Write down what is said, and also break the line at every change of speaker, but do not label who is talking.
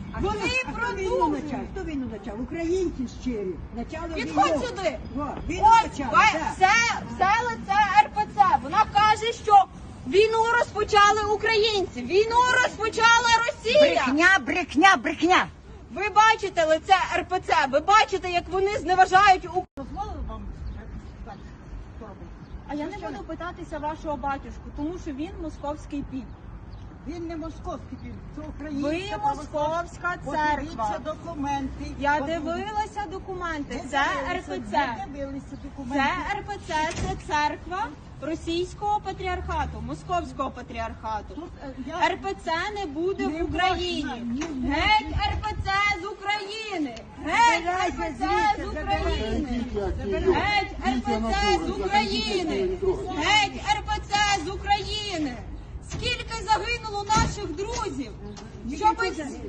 Вони продовжують.
Хто війну почав? Українці щирі.
Підходь сюди.
Він
Ось
почав.
все лице РПЦ. Вона каже, що війну розпочали українці, війну розпочала Росія.
Брехня.
Ви бачите лице РПЦ, ви бачите, як вони зневажають Україну.
Дозволили вам так робити?
А я не буду питатися вашого батюшку, тому що він московський піп.
Він не московський, це українська
Ви московська церква.
Подивіться документи.
Я дивилася документи. Це РПЦ.
Дивилися документи.
Це РПЦ, це церква Російського патріархату, Московського патріархату. РПЦ не буде в Україні. Геть РПЦ з України! Геть РПЦ з України! Геть РПЦ з України! Геть РПЦ з України! Скільки загинуло наших друзів? Щоб